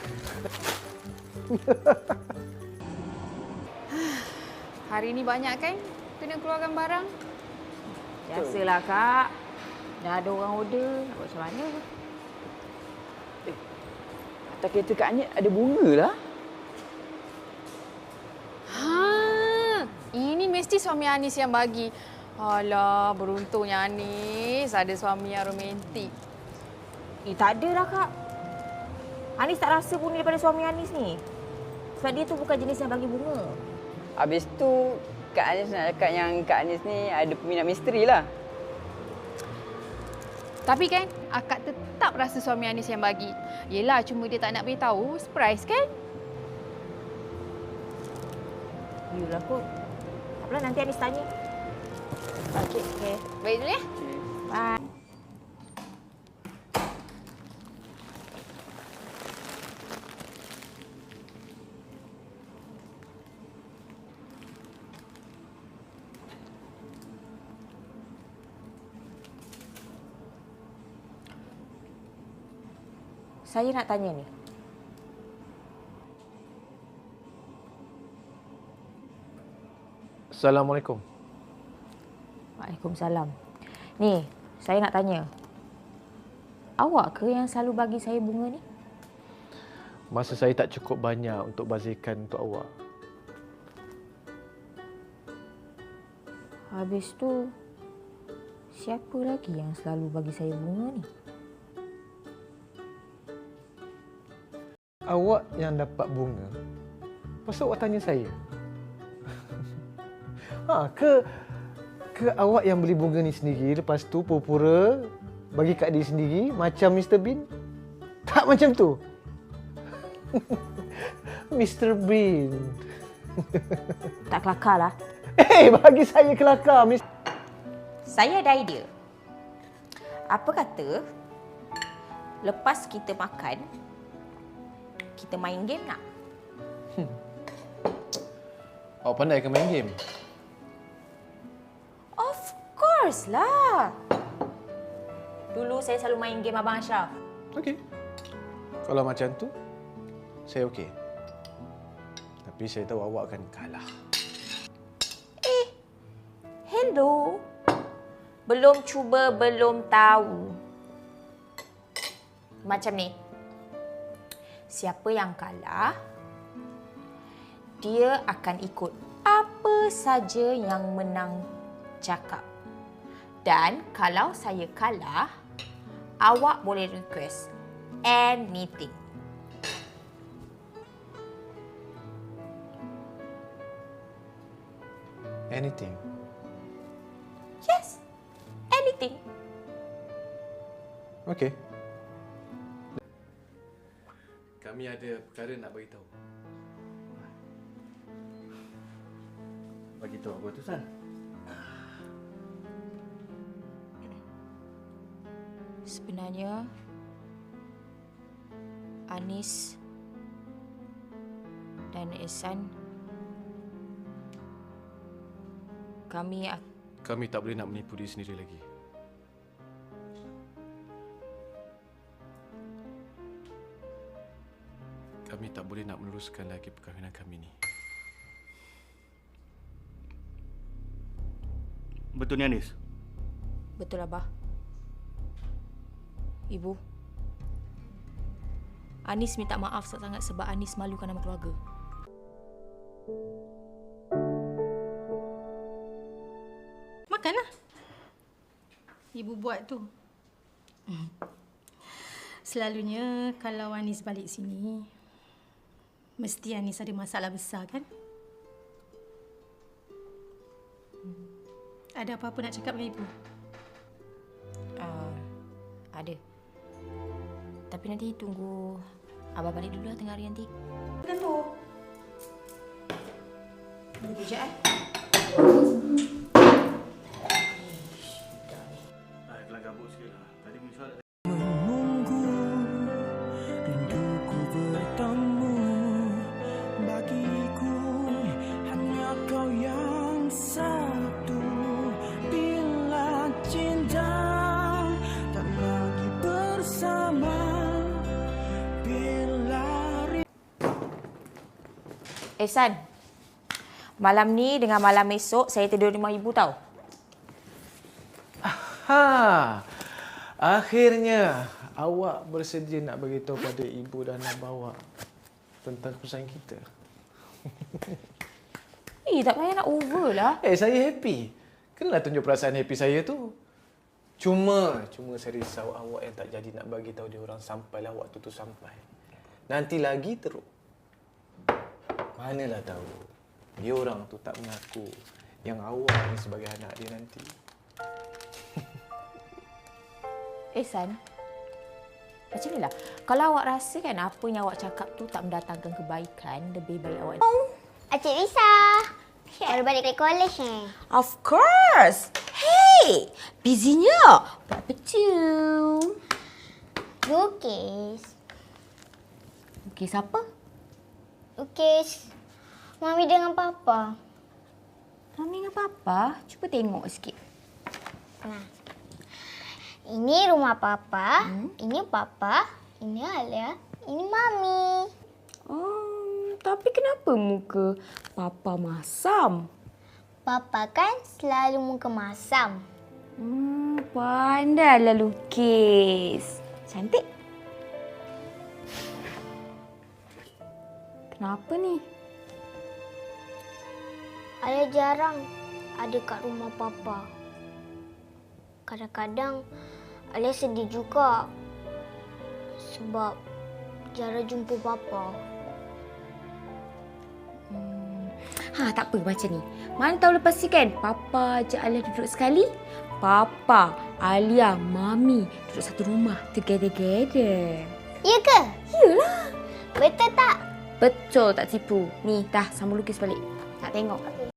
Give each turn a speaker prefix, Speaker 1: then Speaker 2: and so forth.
Speaker 1: Hari ni banyak kan kena keluarkan barang?
Speaker 2: Biasalah, Kak. Dah ada orang order. Nak buat macam mana?
Speaker 3: Atas kereta Kak Anyet ada bunga lah.
Speaker 1: Ini mesti suami Anis yang bagi. Alah, beruntungnya Anis ada suami yang romantik.
Speaker 2: Tak ada lah, Kak. Anis tak rasa pun daripada suami Anis ni. Sebab dia tu bukan jenis yang bagi bunga.
Speaker 3: Habis tu, Kak Anis nak cakap yang Kak Anis ni ada peminat misteri lah.
Speaker 1: Tapi kan, akak tetap rasa suami Anis yang bagi. Yelah, cuma dia tak nak beritahu. Surprise kan?
Speaker 2: Yelah kot. Tak apalah, nanti Anis tanya. Okey.
Speaker 1: Baik dulu ya.
Speaker 2: Bye. Saya nak tanya ni.
Speaker 4: Assalamualaikum.
Speaker 2: Waalaikumsalam. Ni, saya nak tanya. Awak ke yang selalu bagi saya bunga ni?
Speaker 4: Masa saya tak cukup banyak untuk bazirkan untuk awak.
Speaker 2: Habis tu, siapa lagi yang selalu bagi saya bunga ni?
Speaker 4: Awak yang dapat bunga. Pasal awak tanya saya? Ke awak yang beli bunga ni sendiri, lepas tu pura-pura bagi kat dia sendiri macam Mr. Bean? Tak macam tu. Mr. Bean.
Speaker 2: Tak kelakar lah.
Speaker 4: Bagi saya kelakar.
Speaker 2: Saya ada idea. Apa kata, lepas kita makan, kita main game nak?
Speaker 4: Awak pandai ke main game?
Speaker 2: Of course lah. Dulu saya selalu main game Abang Ashraf.
Speaker 4: Okey. Kalau macam tu, saya okey. Tapi saya tahu awak akan kalah.
Speaker 2: Hello. Belum cuba, belum tahu. Macam ni. Siapa yang kalah, dia akan ikut apa saja yang menang cakap. Dan kalau saya kalah, awak boleh request anything.
Speaker 4: Anything.
Speaker 2: Yes, anything.
Speaker 4: Okey. Kami ada perkara nak bagi tahu. Bagi tahu apa tu, San?
Speaker 2: Sebenarnya Anis dan Ehsan
Speaker 4: Kami tak boleh nak menipu diri sendiri lagi. Kami tak boleh nak meneruskan lagi perkahwinan kami ni.
Speaker 5: Betul ni, Anis?
Speaker 2: Betul, Abah. Ibu, Anis minta maaf sangat sebab Anis malukan nama keluarga.
Speaker 6: Makanlah. Ibu buat tu. Selalunya kalau Anis balik sini, mesti Anis ada masalah besar kan? Ada apa-apa nak cakap dengan Ibu?
Speaker 2: Ada. Tapi nanti tunggu Abah balik dulu lah tengah hari nanti.
Speaker 6: Kenapa?
Speaker 2: Tunggu kejap
Speaker 5: Kelang kabut sikit lah. Tadi pun solat.
Speaker 7: Menunggu rinduku bertemu, bagiku hanya kau yang satu. Bila cinta tak lagi bersama, bila
Speaker 2: San, malam ni dengan malam esok saya tidur rumah ibu tau.
Speaker 4: Ha, akhirnya awak bersedia nak beritahu pada ibu dan abah awak tentang keputusan kita.
Speaker 2: Tak payah nak over lah.
Speaker 4: Saya happy. Kenalah tunjuk perasaan happy saya tu. Cuma saya risau awak yang tak jadi nak bagi tahu dia orang sampailah waktu tu sampai. Nanti lagi teruk. Manalah tahu. Dia orang tu tak mengaku yang awak ni sebagai anak dia nanti.
Speaker 2: San, macam ni lah. Kalau awak rasa kan apa yang awak cakap tu tak mendatangkan kebaikan, lebih baik awak...
Speaker 8: Encik Lisa. Baru balik dari college ni.
Speaker 2: Of course! Hey! Busynya? Buat apa tu?
Speaker 8: Lukis.
Speaker 2: Lukis apa?
Speaker 8: Lukis Mami dengan Papa.
Speaker 2: Mami dengan Papa? Cuba tengok sikit.
Speaker 8: Nah. Ini rumah Papa, ini Papa, ini Alia, ini Mami.
Speaker 2: Tapi kenapa muka Papa masam?
Speaker 8: Papa kan selalu muka masam.
Speaker 2: Pandailah lukis. Cantik. Kenapa ni?
Speaker 8: Alia jarang ada kat rumah Papa. Kadang-kadang Alia sedih juga sebab jarang jumpa Papa.
Speaker 2: Tak apa macam ni. Mana tahu lepas ni kan, Papa ajak Alia duduk sekali. Papa, Alia, Mami duduk satu rumah together.
Speaker 8: Ya ke?
Speaker 2: Yalah.
Speaker 8: Betul tak?
Speaker 2: Betul tak tipu. Ni dah sama lukis balik. Nak tengok.